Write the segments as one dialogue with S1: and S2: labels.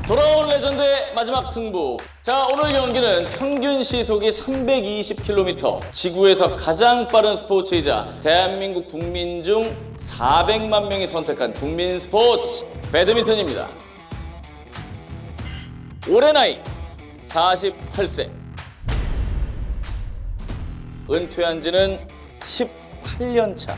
S1: 돌아온 레전드의 마지막 승부. 자, 오늘 경기는 평균 시속이 320km, 지구에서 가장 빠른 스포츠이자 대한민국 국민 중 400만 명이 선택한 국민 스포츠 배드민턴입니다. 올해 나이 48세. 은퇴한 지는 18년 차.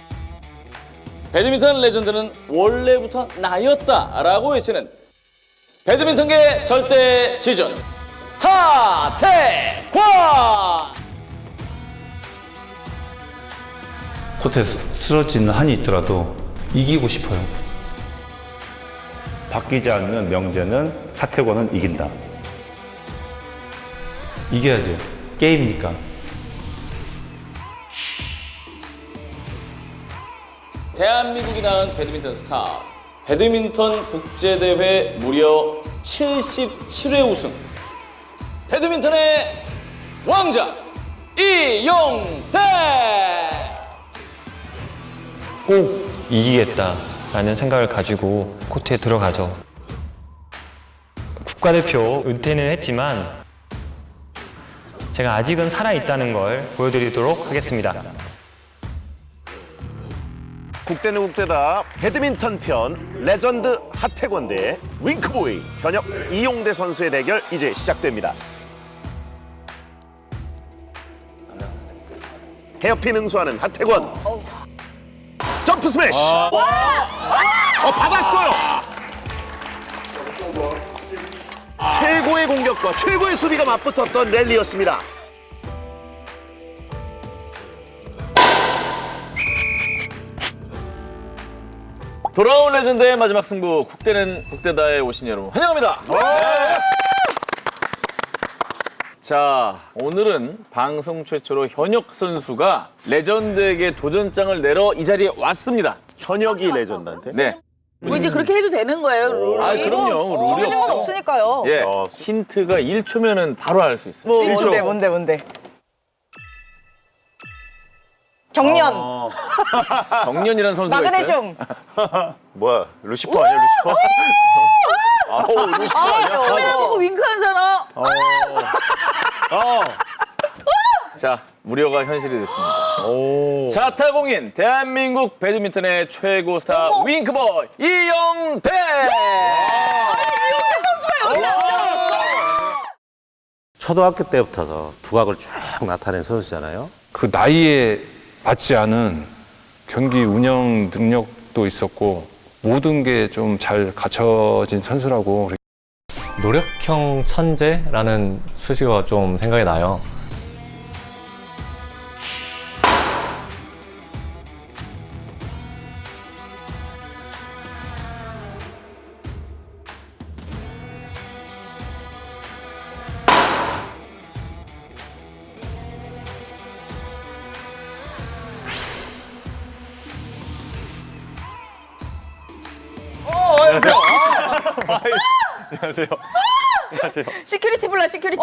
S1: 배드민턴 레전드는 원래부터 나였다라고 외치는 배드민턴계 절대 지존 하태권!
S2: 코트에 쓰러지는 한이 있더라도 이기고 싶어요.
S3: 바뀌지 않는 명제는 하태권은 이긴다.
S2: 이겨야죠. 게임이니까.
S1: 대한민국이 낳은 배드민턴 스타. 배드민턴 국제대회 무려 77회 우승. 배드민턴의 왕자 이용대!
S4: 꼭 이기겠다라는 생각을 가지고 코트에 들어가죠. 국가대표 은퇴는 했지만 제가 아직은 살아있다는 걸 보여드리도록 하겠습니다.
S5: 국대는 국대다 배드민턴 편 레전드 하태권 대 윙크보이 현역 이용대 선수의 대결 이제 시작됩니다. 헤어핀 응수하는 하태권. 점프 스매시. 받았어요. 최고의 공격과 최고의 수비가 맞붙었던 랠리였습니다.
S1: 돌아온 레전드의 마지막 승부. 국대는 국대다에 오신 여러분 환영합니다. 네. 자, 오늘은 방송 최초로 현역 선수가 레전드에게 도전장을 내러 이 자리에 왔습니다.
S5: 현역이 레전드한테.
S1: 네.
S6: 뭐 이제 그렇게 해도 되는 거예요, 룰이?
S1: 아, 그럼요. 룰이
S6: 정해진 건
S1: 없죠.
S6: 없으니까요.
S1: 예. 힌트가 1초면은 바로 알 수 있어요.
S6: 뭔데? 경련,
S1: 경련이라는 선수가 있어요.
S6: 마그네슘.
S5: 뭐야 루시퍼 아니야 루시퍼? 아우 루시퍼 아니야?
S6: 카메라 보고 윙크한 사람.
S1: 자, 무료가 현실이 됐습니다. 자타공인 대한민국 배드민턴의 최고 스타 윙크보이 이용대!
S7: 초등학교 때부터 두각을 쭉 나타낸 선수잖아요.
S8: 그 나이에 맞지 않은 경기 운영 능력도 있었고 모든 게 좀 잘 갖춰진 선수라고.
S9: 노력형 천재라는 수식어가 좀 생각이 나요.
S6: 시큐리티 불러, 시큐리티.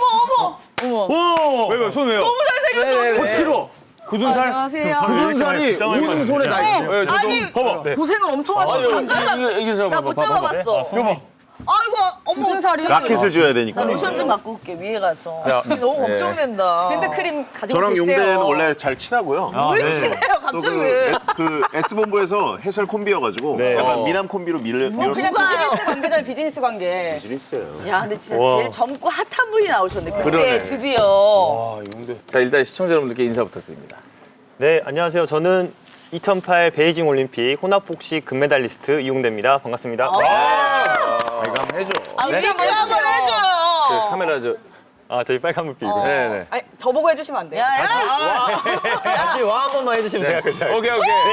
S6: 어머.
S3: 왜 손 왜요?
S6: 너무 잘생겼어.
S1: 거칠어.
S3: 굳은 살?
S6: 안녕하세요.
S1: 굳은살이 온 손에 다 있어요.
S6: 아니, 고생을 엄청 하셨어. 잠깐만.
S1: 이게
S6: 나 못 잡아봤어. 아이고, 어머. 살이
S5: 라켓을 줘야 되니까.
S6: 나 로션 좀 갖고 올게, 위에 가서. 너무 걱정된다. 핸드크림 가지고
S5: 저랑
S6: 계세요.
S5: 용대는 원래 잘 친하고요.
S6: 뭘 친해요,
S5: 또
S6: 갑자기.
S5: 그 S본부에서 해설 콤비여가지고 약간 미남 콤비로
S6: 그냥
S5: 밀었어요.
S6: 비즈니스 관계잖아요, 비즈니스 관계.
S5: 재밌어요.
S6: 야, 근데 진짜 제일 젊고 핫한 분이 나오셨네. 그때 드디어.
S1: 자, 일단 시청자 여러분들께 인사 부탁드립니다.
S4: 네, 안녕하세요. 저는 2008 베이징 올림픽 혼합복식 금메달리스트 이용대입니다. 반갑습니다.
S1: 이거 한번 해줘.
S6: 위에 한번 해줘요.
S1: 그 카메라
S4: 저희 빨간불 빌고.
S1: 네네.
S6: 아니, 저보고 해주시면 안 돼요? 야!
S4: 다시 와 한 번만 해주시면 제가 그냥.
S1: 오케이.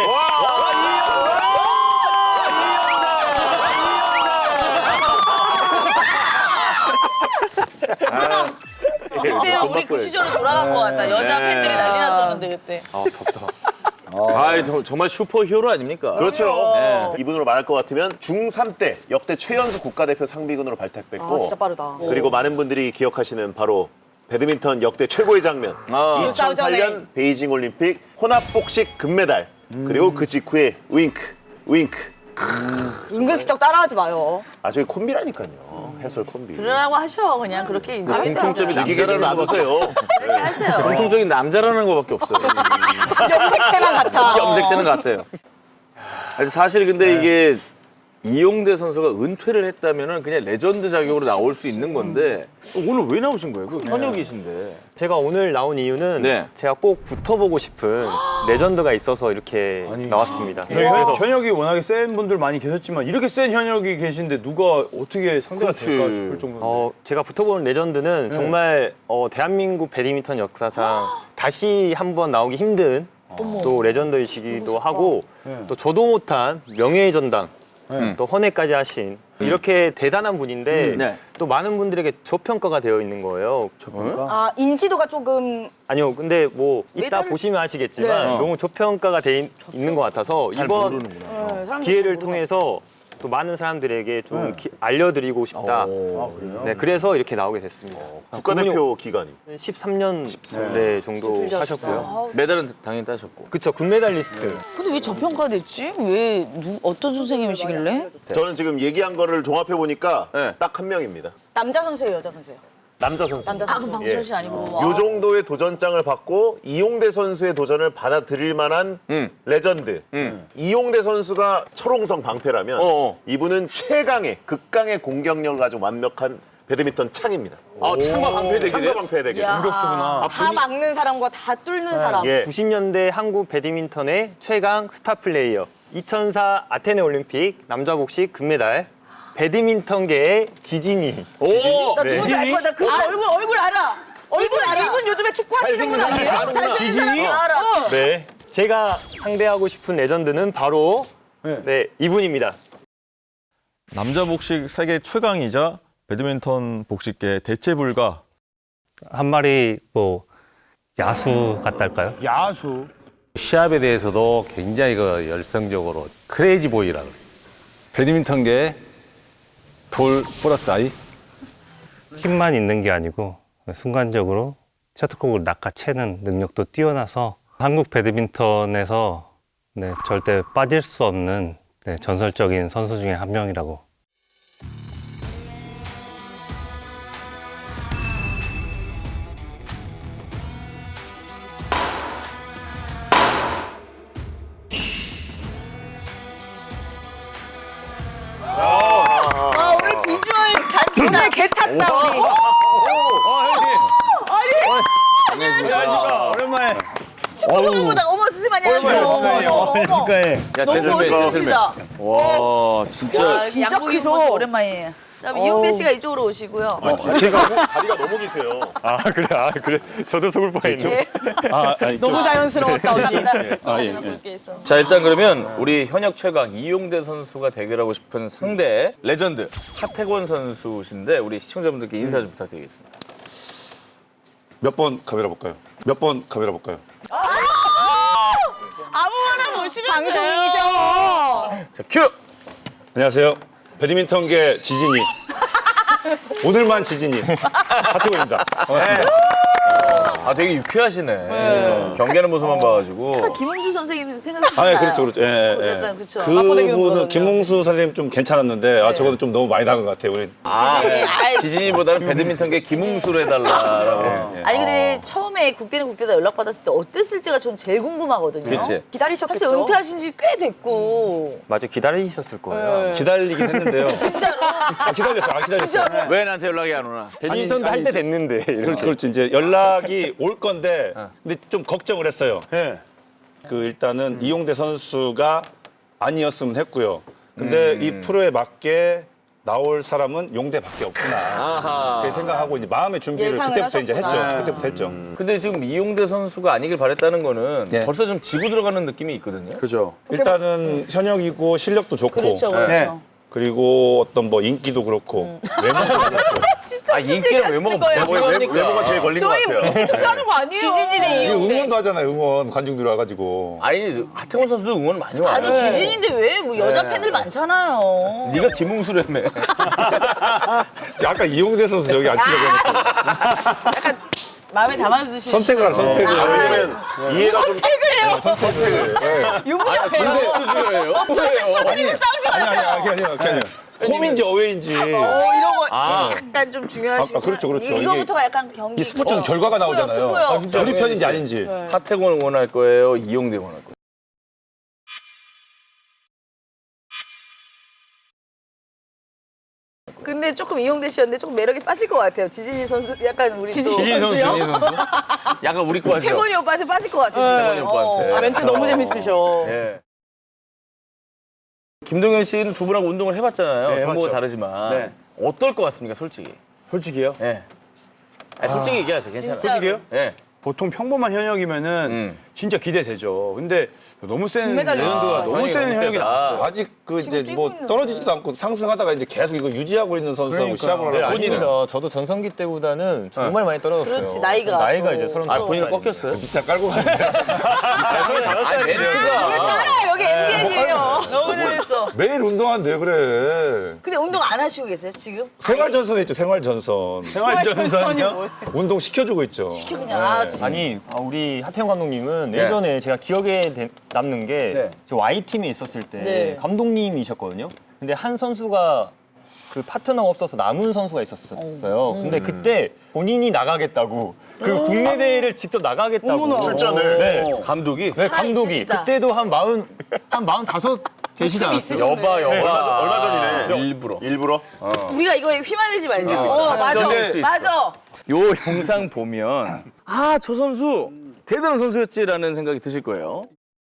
S6: 그때 우리 그 시절로 돌아간 것 같다. 여자 팬들이 난리 났었는데 그때.
S1: 정말 슈퍼 히어로 아닙니까?
S5: 그렇죠. 이분으로 말할 것 같으면 중3 때 역대 최연소 국가대표 상비군으로 발탁됐고
S6: 진짜 빠르다.
S5: 그리고 많은 분들이 기억하시는 바로 배드민턴 역대 최고의 장면 2008년 베이징 올림픽 혼합복식 금메달 그리고 그 직후에 윙크
S10: 은근슬쩍 따라하지 마요.
S5: 아 저희 콤비라니까요. 해설 콤비.
S6: 그러라고 하셔. 그냥 그렇게 이제
S5: 공통점이 느끼게 좀 놔두세요.
S6: 그렇게 하세요.
S1: 공통적인 남자라는 거밖에 없어요.
S10: 염색체만 같아.
S1: 염색체는 같아요. 아니, 사실 근데 이게 이용대 선수가 은퇴를 했다면은 그냥 레전드 자격으로 나올 수 있는 건데 오늘 왜 나오신 거예요? 그 현역이신데.
S4: 제가 오늘 나온 이유는
S1: 네.
S4: 제가 꼭 붙어보고 싶은 레전드가 있어서 이렇게 나왔습니다.
S11: 저희 현역이 워낙에 센 분들 많이 계셨지만 이렇게 센 현역이 계신데 누가 어떻게 상대가 될까 싶을 정도인데.
S4: 제가 붙어본 레전드는 정말 대한민국 배드민턴 역사상 다시 한번 나오기 힘든 또 레전드이시기도 하고 또 저도 못한 명예의 전당 또 헌해까지 하신 이렇게 대단한 분인데
S1: 네.
S4: 또 많은 분들에게 저평가가 되어 있는 거예요.
S10: 아, 인지도가 조금.
S4: 아니요, 근데 뭐 이따
S10: 메달-
S4: 보시면 아시겠지만
S10: 네.
S4: 너무 저평가가 돼 있는 것 같아서 이번
S10: 모르는구나. 네, 사람들이
S4: 기회를
S10: 잘
S4: 통해서 또 많은 사람들에게 좀 알려드리고 싶다.
S5: 그래요?
S4: 네, 그래서 이렇게 나오게 됐습니다.
S5: 국가대표 기간이
S4: 13년 네, 정도 하셨고요.
S1: 메달은 당연히 따셨고.
S4: 그쵸, 금메달리스트.
S6: 근데 왜 저평가됐지? 왜 어떤 선생님이시길래?
S5: 저는 지금 얘기한 거를 종합해 보니까 딱 한 명입니다.
S10: 남자 선수예요, 여자 선수예요?
S5: 남자 선수.
S10: 남자
S6: 아,
S10: 선수.
S6: 그럼 방철 씨 아니고.
S5: 요 정도의 도전장을 받고 이용대 선수의 도전을 받아들일 만한 레전드. 이용대 선수가 철옹성 방패라면 이분은 최강의 극강의 공격력을 가지고 완벽한 배드민턴 창입니다.
S1: 아, 창과 방패 대결이에요?
S5: 창과 방패 대결.
S10: 야, 다 막는 사람과 다 뚫는 사람.
S5: 예.
S4: 90년대 한국 배드민턴의 최강 스타 플레이어. 2004 아테네 올림픽 남자 복식 금메달. 배드민턴계의 지진이.
S6: 나 누군지 알 거야. 나그 얼굴 알아. 얼굴 알아. 이분 요즘에 축구 하시는 분 아니에요? 잘생긴 사람 다 알아.
S4: 네. 제가 상대하고 싶은 레전드는 바로 네, 이분입니다.
S12: 남자 복식 세계 최강이자 배드민턴 복식계 대체 불가.
S9: 한 마리 뭐 야수 같달까요?
S11: 야수.
S7: 시합에 대해서도 굉장히 열성적으로 크레이지 보이라고.
S8: 배드민턴계 돌 플러스 아이.
S9: 힘만 있는 게 아니고 순간적으로 셔틀콕을 낚아채는 능력도 뛰어나서 한국 배드민턴에서 네, 절대 빠질 수 없는 네, 전설적인 선수 중에 한 명이라고.
S6: 아, 우리 비주얼 잔치다.
S10: 오늘 개 탔다, 우리.
S11: 안녕하십니까. 오랜만에.
S6: 축구보다 어머 스님 안녕하세요. 어머. 너무 멋있으시다.
S1: 와, 진짜.
S6: 양복이 모습 오랜만이에요. 자, 그럼 이용대 씨가 이쪽으로 오시고요.
S5: 다리가 너무 기세요.
S4: 그래. 저도 속을 뻔했네.
S10: 너무 자연스러웠다, 오답니다.
S1: 자, 일단 그러면 우리 현역 최강 이용대 선수가 대결하고 싶은 상대 레전드 하태권 선수신데 우리 시청자분들께 인사 좀 부탁드리겠습니다.
S3: 몇 번 카메라 볼까요? 몇 번 카메라 볼까요?
S6: 아무거나 보시면
S10: 방송인이셔.
S1: 자, 큐!
S3: 안녕하세요. 배드민턴계 지진이. 오늘만 지진이. 하태권입니다. 반갑습니다.
S1: 아, 되게 유쾌하시네. 경기하는 모습만 봐가지고.
S6: 김홍수 선생님 생각이
S3: 아, 예, 그렇죠. 예, 예.
S6: 약간 그쵸.
S3: 그분은 김홍수 선생님 좀 괜찮았는데 저거는 좀 너무 많이 나은 것 같아요. 우리
S1: 지진이보다는 배드민턴계 김웅수로 해달라고.
S6: 아니 근데 처음에 국대는 국대다 연락받았을 때 어땠을지가 전 제일 궁금하거든요.
S1: 그치.
S10: 기다리셨겠죠?
S6: 사실 은퇴하신 지 꽤 됐고.
S4: 맞아, 기다리셨을 거예요.
S3: 기다리긴 했는데요.
S6: 진짜로.
S3: 기다렸어요.
S6: 진짜로.
S1: 왜 나한테 연락이 안 오나?
S4: 배드민턴도 할 때 됐는데.
S3: 그렇지. 이제 연락이 올 건데, 근데 좀 걱정을 했어요. 일단은 이용대 선수가 아니었으면 했고요. 근데 이 프로에 맞게 나올 사람은 용대밖에 없구나. 그렇게 생각하고 이제 마음의 준비를
S10: 예상을
S3: 그때부터 이제
S10: 하셨구나.
S3: 했죠. 그때부터 했죠.
S1: 근데 지금 이용대 선수가 아니길 바랬다는 거는 벌써 좀 지고 들어가는 느낌이 있거든요.
S11: 그죠.
S3: 일단은 현역이고 실력도 좋고,
S6: 그렇죠, 그렇죠.
S3: 그리고 어떤 뭐 인기도 그렇고 외모도 그렇고.
S1: 아, 인기랑 외모가
S5: 외모가 제일 걸린 것 같아요.
S10: 투표하는 거 아니에요?
S6: 지진이네 이용대.
S3: 응원도 하잖아요. 응원 관중들 와가지고.
S1: 아니, 하태권 선수도 응원 많이 와.
S6: 아니 지진인데 왜 뭐 여자 팬들 많잖아요.
S1: 네가 김웅수라며.
S3: 아까 이용대 선수 여기 앉히려고 했는데
S6: 마음에 담아두시.
S3: 선택을 하라, 선택을.
S5: 왜냐면 이해가 좀
S6: 선택을 해요
S10: 아니에요.
S3: 선택을.
S1: 선수예요?
S10: 저번에 싸우지 마세요.
S3: 아니. 홈인지 어웨이인지.
S6: 이런 거 약간 좀 중요하신
S3: 그렇죠.
S6: 이거부터가 약간 경기.
S3: 이 스포츠는 결과가 나오잖아요. 우리 편인지 아닌지.
S1: 하태권을 원할 거예요? 이용대 원할 거예요?
S6: 근데 조금 이용대 씨였는데 조금 매력이 빠질 것 같아요. 지진이 선수 약간 우리 또
S1: 지진 선수? 약간 우리 거 하죠.
S6: 태권이 오빠한테 빠질 것 같아요.
S1: 태권이 오빠한테.
S10: 멘트 너무 재밌으셔.
S1: 예. 김동현 씨는 두 분하고 운동을 해봤잖아요.
S11: 네,
S1: 종목은
S11: 해봤죠.
S1: 다르지만
S11: 네.
S1: 어떨 것 같습니까, 솔직히?
S11: 솔직히요?
S1: 예. 솔직히 얘기하세요. 괜찮아요.
S11: 솔직히요?
S1: 예.
S11: 보통 평범한 현역이면은 진짜 기대되죠. 근데 너무 센
S10: 금메달
S11: 레전드가
S10: 나왔어요.
S11: 너무 센 현역이 나왔어요.
S3: 아직 그 이제 뭐 떨어지지도 않고 상승하다가 이제 계속 이거 유지하고 있는 선수하고 시합을
S4: 네,
S3: 하고
S4: 아닙니다. 저도 전성기 때보다는 정말 많이 떨어졌어요.
S6: 그렇지, 나이가
S4: 나이가
S6: 또.
S4: 이제 35살.
S1: 아, 본인은 꺾였어요?
S3: 기차 깔고 가는데
S1: 멘트가.
S6: 알아 여기 MBN이에요. 너무 재밌어.
S3: 매일 운동한대 그래.
S6: 근데 운동 안 하시고 계세요 지금?
S3: 생활전선에 있죠, 생활전선.
S11: 생활전선이요?
S3: 운동 시켜주고 있죠.
S6: 시켜 그냥.
S4: 아니 우리 하태영 감독님은 예전에 제가 기억에 남는 게 저 Y팀에 있었을 때
S6: 네.
S4: 감독님이셨거든요. 근데 한 선수가 그 파트너가 없어서 남은 선수가 있었어요. 근데 그때 본인이 나가겠다고 그 국내 대회를 직접 나가겠다고
S10: 어머나.
S5: 출전을.
S4: 네.
S1: 감독이?
S4: 네, 감독이
S6: 있으시다.
S4: 그때도 한 45 되시지 않았어요?
S5: 얼마 전이네. 일부러.
S6: 우리가 이거에 휘말리지 말자. 맞아.
S1: 전될 수 있어.
S6: 맞아.
S1: 요 영상 보면 저 선수 대단한 선수였지라는 생각이 드실 거예요.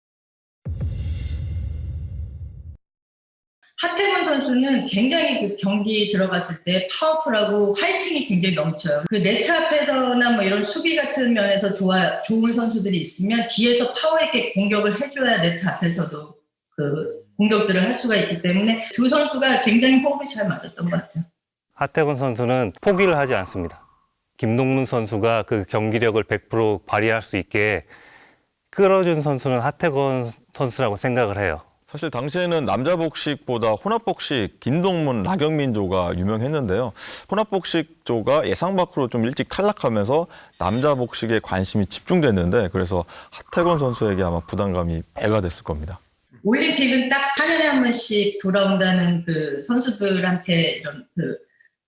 S13: 하태권 선수는 굉장히 그 경기 들어갔을 때 파워풀하고 화이팅이 굉장히 넘쳐요. 그 네트 앞에서나 뭐 이런 수비 같은 면에서 좋은 선수들이 있으면 뒤에서 파워 있게 공격을 해줘야 네트 앞에서도 그 공격들을 할 수가 있기 때문에 두 선수가 굉장히 호흡이 잘 맞았던 것 같아요.
S9: 하태권 선수는 포기를 하지 않습니다. 김동문 선수가 그 경기력을 100% 발휘할 수 있게 끌어준 선수는 하태권 선수라고 생각을 해요.
S12: 사실 당시에는 남자 복식보다 혼합 복식 김동문, 나경민조가 유명했는데요. 혼합 복식조가 예상 밖으로 좀 일찍 탈락하면서 남자 복식에 관심이 집중됐는데 그래서 하태권 선수에게 아마 부담감이 배가 됐을 겁니다.
S13: 올림픽은 딱 4년에 한 번씩 돌아온다는 그 선수들한테 이런 그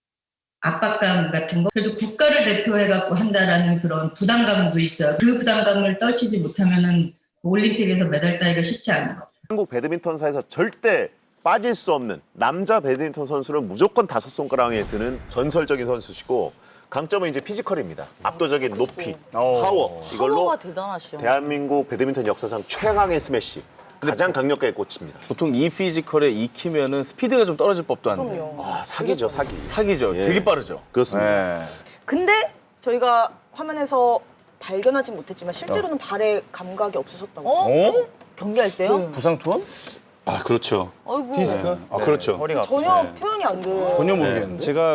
S13: 압박감 같은 거, 그래도 국가를 대표해갖고 한다라는 그런 부담감도 있어요. 그 부담감을 떨치지 못하면은 올림픽에서 메달 따기가 쉽지 않은 것 같아요.
S5: 한국 배드민턴사에서 절대 빠질 수 없는 남자 배드민턴 선수는 무조건 5손가락에 드는 전설적인 선수시고 강점은 이제 피지컬입니다. 압도적인 높이, 파워. 이걸로
S6: 파워가 대단하시죠.
S5: 대한민국 배드민턴 역사상 최강의 스매시. 가장 강력하게 꽂힙니다.
S1: 보통 이 피지컬에 익히면은 스피드가 좀 떨어질 법도 한데.
S6: 그럼요.
S5: 사기죠, 사기.
S1: 사기죠.
S5: 예.
S1: 되게 빠르죠.
S5: 그렇습니다.
S1: 예.
S10: 근데 저희가 화면에서 발견하지 못했지만 실제로는 발에 감각이 없으셨다고.
S6: 경기할 때요?
S1: 부상 투혼?
S3: 그렇죠.
S6: 아이고.
S3: 그렇죠.
S4: 허리가
S10: 전혀 표현이 안 돼요.
S1: 전혀 모르겠는데.
S3: 제가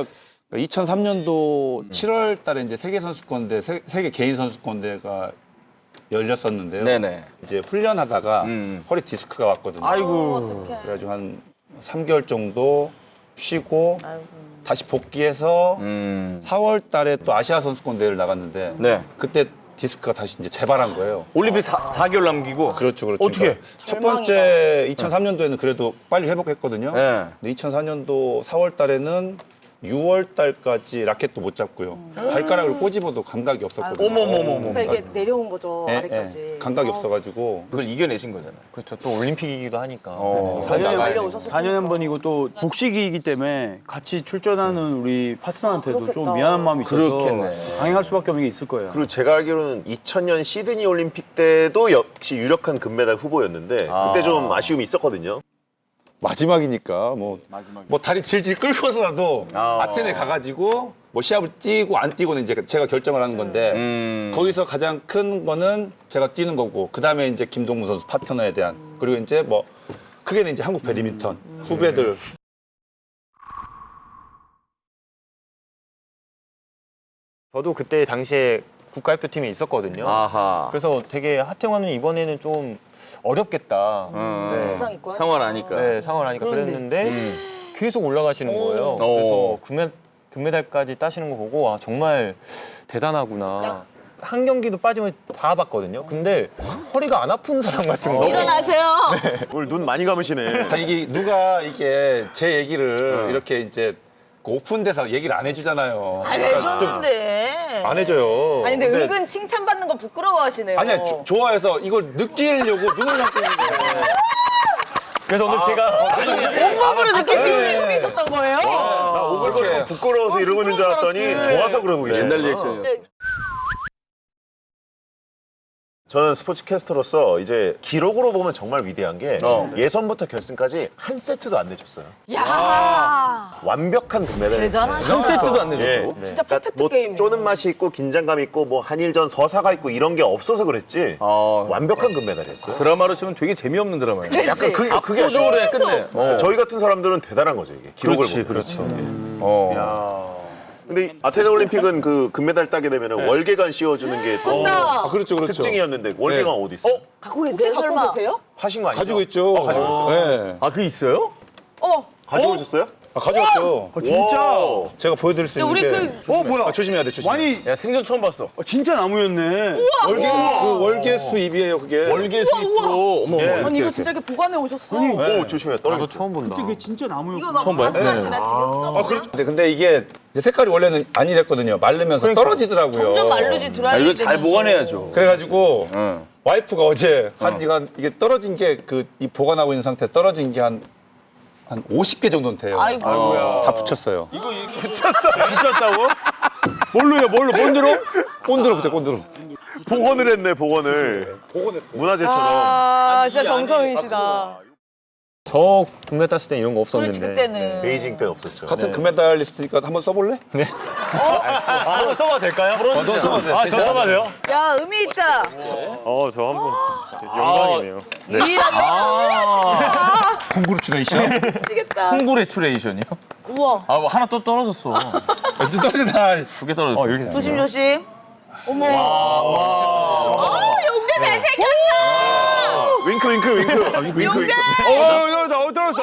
S3: 2003년도 7월 달에 이제 세계 선수권대, 세계 개인 선수권대가 열렸었는데요.
S1: 네네.
S3: 이제 훈련하다가 허리 디스크가 왔거든요.
S1: 아이고.
S3: 그래가지고 한 3개월 정도 쉬고 다시 복귀해서 4월 달에 또 아시아 선수권대회를 나갔는데
S1: 네.
S3: 그때 디스크가 다시 이제 재발한 거예요.
S1: 올림픽 4개월 남기고.
S3: 그렇죠.
S1: 어떻게?
S3: 그러니까 첫 번째 2003년도에는 그래도 빨리 회복했거든요.
S1: 네.
S3: 근데 2004년도 4월 달에는 6월 달까지 라켓도 못 잡고요. 발가락을 꼬집어도 감각이 없었거든요.
S1: 어머머머머.
S10: 그러니까 이게 내려온 거죠,
S3: 예,
S10: 아래까지.
S3: 예. 감각이 없어가지고
S1: 그걸 이겨내신 거잖아요.
S4: 그렇죠. 또 올림픽이기도 하니까.
S11: 4년에 한 번이고 또 복식이기 때문에 같이 출전하는 우리 파트너한테도
S10: 그렇겠다.
S11: 좀 미안한 마음이 있어서
S1: 그렇겠네.
S11: 강행할 수밖에 없는 게 있을 거예요.
S5: 그리고 제가 알기로는 2000년 시드니 올림픽 때도 역시 유력한 금메달 후보였는데 그때 좀 아쉬움이 있었거든요.
S3: 마지막이니까 뭐 다리 질질 끌고서라도 아테네 가가지고 뭐 시합을 뛰고 안 뛰고는 이제 제가 결정을 하는 건데 거기서 가장 큰 거는 제가 뛰는 거고 그 다음에 이제 김동문 선수 파트너에 대한 그리고 이제 뭐 크게는 이제 한국 배드민턴 후배들.
S4: 저도 그때 당시에 국가대표팀에 있었거든요.
S1: 아하.
S4: 그래서 되게 하태권은 이번에는 좀 어렵겠다. 네.
S10: 부상 있고
S1: 상황을 아니까.
S4: 네, 상황을 하니까 그랬는데 계속 올라가시는 거예요.
S1: 오.
S4: 그래서 금메달까지 따시는 거 보고 와 정말 대단하구나. 한 경기도 빠지면 다 봤거든요. 근데 허리가 안 아픈 사람 같은 거.
S6: 일어나세요.
S5: 오늘 눈 많이 감으시네.
S3: 자, 이게 누가 이게 제 얘기를 이렇게 이제 그 오픈돼서 얘기를 안 해주잖아요.
S6: 안 해줬는데.
S3: 안 해줘요.
S10: 아니 근데 은근 칭찬받는 거 부끄러워하시네요.
S3: 아니야, 좋아해서 이걸 느끼려고 눈을 감고 있는 거예요.
S4: 그래서 오늘 제가
S6: 온몸으로 느끼시고 있었던 거예요?
S5: 나 오글거리고 부끄러워서 이러고 있는 줄 알았더니 좋아서 그러고 계시네.
S1: 옛날 리액션이었어.
S5: 저는 스포츠 캐스터로서 이제 기록으로 보면 정말 위대한 게 예선부터 결승까지 한 세트도 안 내줬어요.
S6: 야.
S5: 완벽한 금메달을
S6: 대단하다.
S5: 했어요.
S1: 한 세트도 안 내줬다고?
S10: 진짜
S5: 그러니까
S10: 퍼펙트
S5: 뭐
S10: 게임.
S5: 쪼는 맛이 있고 긴장감 있고 뭐 한일전 서사가 있고 이런 게 없어서 그랬지 완벽한 금메달이었어요.
S1: 드라마로 치면 되게 재미없는 드라마예요.
S5: 약간 그게
S1: 압도적으로 해 끝내.
S5: 저희 같은 사람들은 대단한 거죠 이게 기록을 보면.
S1: 그렇죠.
S5: 근데 아테네 올림픽은 그 금메달 따게 되면 월계관 씌워주는 게 또
S10: 맞다.
S3: 그렇죠, 그렇죠.
S5: 특징이었는데 월계관 어디 있어?
S6: 갖고 계세요?
S10: 혹시 갖고
S6: 설마?
S10: 계세요?
S5: 하신 거 아니죠?
S3: 가지고 있죠.
S5: 가지고 있어요.
S3: 네.
S1: 아, 그게 있어요?
S5: 가지고 오셨어요?
S3: 아, 가져왔죠.
S11: 진짜?
S5: 와우.
S3: 제가 보여드릴 수
S6: 우리
S3: 있는데.
S11: 뭐야?
S3: 조심해야 돼, 조심해.
S11: 많이
S1: 야, 생전 처음 봤어.
S11: 진짜 나무였네.
S3: 그 월계 수입이에요, 그게.
S1: 월계 수입으로. 어머,
S3: 예.
S10: 아니 이거 진짜 이렇게 보관해 오셨어.
S5: 오 조심해요. 떨어져.
S4: 처음 본다.
S11: 이게 진짜 나무였구나.
S6: 이거 막 바스가지나 지금 써보냐?
S3: 근데 이게 이제 색깔이 원래는 아니랬거든요. 마르면서 떨어지더라고요.
S6: 점점 마르지
S1: 아,
S6: 드라이
S1: 이거 잘 보관해야죠.
S3: 그래가지고 와이프가 어제 한 이게 떨어진 게 이 보관하고 있는 상태 떨어진 게 한 50개 정도는 돼요.
S6: 아이고.
S3: 다 붙였어요.
S11: 붙였다고? 뭘로요? 본드로?
S3: 꼰드로 붙여, 꼰드로.
S5: 복원을 했네 복원을. 문화재처럼.
S10: 아 진짜 정성이시다.
S4: 저 금메달 땄을 때 이런 거 없었는데.
S6: 그렇지 그때는.
S5: 베이징 때 없었죠.
S3: 같은 금메달리스트니까 한번 써볼래?
S4: 한번 써봐도 될까요? 아, 저 써봐도 돼요?
S10: 야 의미 있다.
S4: 저 한번 영광이네요.
S3: 콩그루츄레이션?
S10: 미치겠다.
S1: 콩그레츄레이션이요?
S6: 우와.
S1: 아, 뭐 하나 또 떨어졌어.
S3: 또 떨어진다.
S1: 두 개 떨어졌어.
S4: 이렇게
S6: 조심 조심. 어머. 용대 잘생겼어.
S5: 윙크 윙크 윙크. 윙크 윙크.
S11: 나 떨어졌어.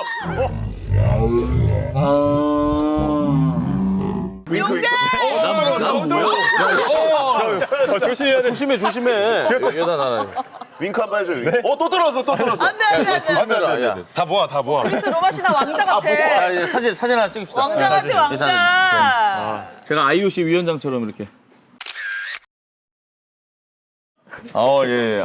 S5: 윙크 윙크.
S1: 난 뭐야?
S4: 조심해야 돼.
S1: 조심해. 여다 나라.
S5: 윙크 한 번 해줘요. 또 떨어졌어 또 떨어졌어.
S6: 안돼 안돼 안돼.
S3: 안 돼. 다 모아, 다 모아.
S10: 그래서 로마시나 왕자 같아.
S1: 자, 이제 사진 하나 찍읍시다.
S6: 왕자 같아 왕자.
S1: 제가 IOC 위원장처럼 이렇게. 예.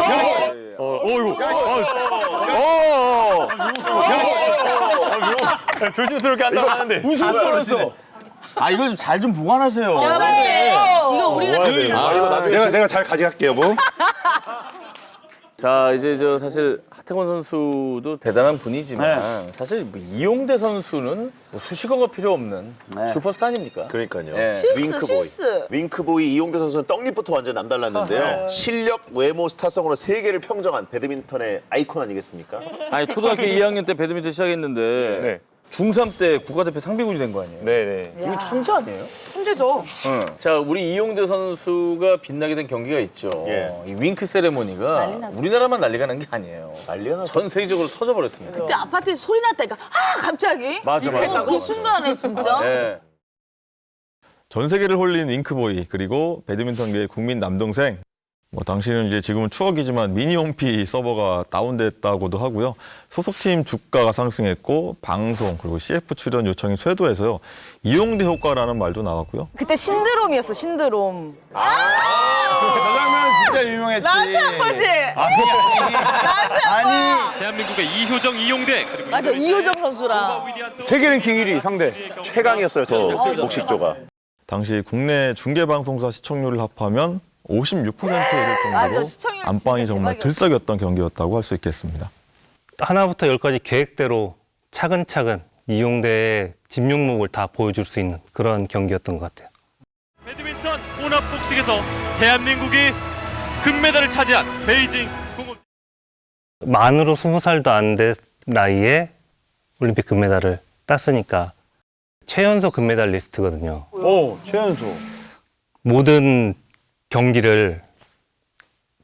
S4: 조심스럽게 한다고 하는데.
S11: 웃음 떨어졌어.
S1: 아, 이걸 좀 잘 좀 보관하세요.
S6: 이거 우리가
S5: 이거 나중에
S3: 내가 잘 가져갈게요, 뭐.
S1: 자, 이제 사실 하태권 선수도 대단한 분이지만 사실 뭐 이용대 선수는 뭐 수식어가 필요 없는 슈퍼스타 아닙니까?
S5: 그러니까요.
S1: 예.
S6: 실수.
S5: 윙크보이 이용대 선수는 떡잎부터 완전 남달랐는데요. 실력, 외모, 스타성으로 세계를 평정한 배드민턴의 아이콘 아니겠습니까?
S1: 아니, 초등학교 2학년 때 배드민턴 시작했는데
S4: 네.
S1: 중3 때 국가대표 상비군이 된 거 아니에요?
S4: 네네.
S1: 이거 천재 아니에요?
S10: 천재죠.
S1: 자, 우리 이용대 선수가 빛나게 된 경기가 있죠.
S5: 예.
S1: 이 윙크 세레모니가 우리나라만 난리가 난 게 아니에요.
S5: 난리가 났어.
S1: 전 세계적으로 터져버렸습니다.
S6: 그때 아파트에서 소리 났다니까. 아 갑자기.
S1: 맞아.
S6: 그 순간에 진짜.
S1: 네.
S12: 전 세계를 홀린 윙크보이 그리고 배드민턴계의 국민 남동생. 뭐 당시는 이제 지금은 추억이지만 미니홈피 서버가 다운됐다고도 하고요. 소속팀 주가가 상승했고 방송 그리고 CF 출연 요청이 쇄도해서요. 이용대 효과라는 말도 나왔고요.
S10: 그때 신드롬이었어 신드롬.
S11: 저 장면은 진짜 유명했지.
S10: 나한테 한 거지.
S11: 아니.
S14: 대한민국의 이효정, 이용대 그리고
S6: 맞아 이효정 선수랑.
S11: 세계 랭킹 1위 상대.
S5: 최강이었어요, 저 복식조가.
S12: 당시 국내 중계방송사 시청률을 합하면 56%에 이를
S6: 맞아,
S12: 정도로
S6: 시청률
S12: 안방이
S6: 진짜
S12: 정말
S6: 대박이었어.
S12: 들썩였던 경기였다고 할 수 있겠습니다.
S9: 하나부터 열까지 계획대로 차근차근 이용대의 진면목을 다 보여줄 수 있는 그런 경기였던 것 같아요.
S14: 배드민턴 혼합복식에서 대한민국이 금메달을 차지한 베이징 공원.
S9: 만으로 20살도 안 된 나이에 올림픽 금메달을 땄으니까 최연소 금메달리스트거든요.
S11: 최연소.
S9: 모든 경기를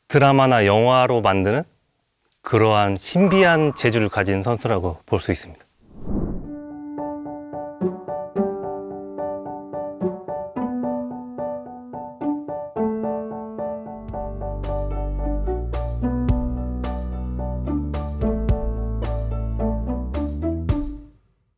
S9: 드라마나 영화로 만드는 그러한 신비한 재주를 가진 선수라고 볼 수 있습니다.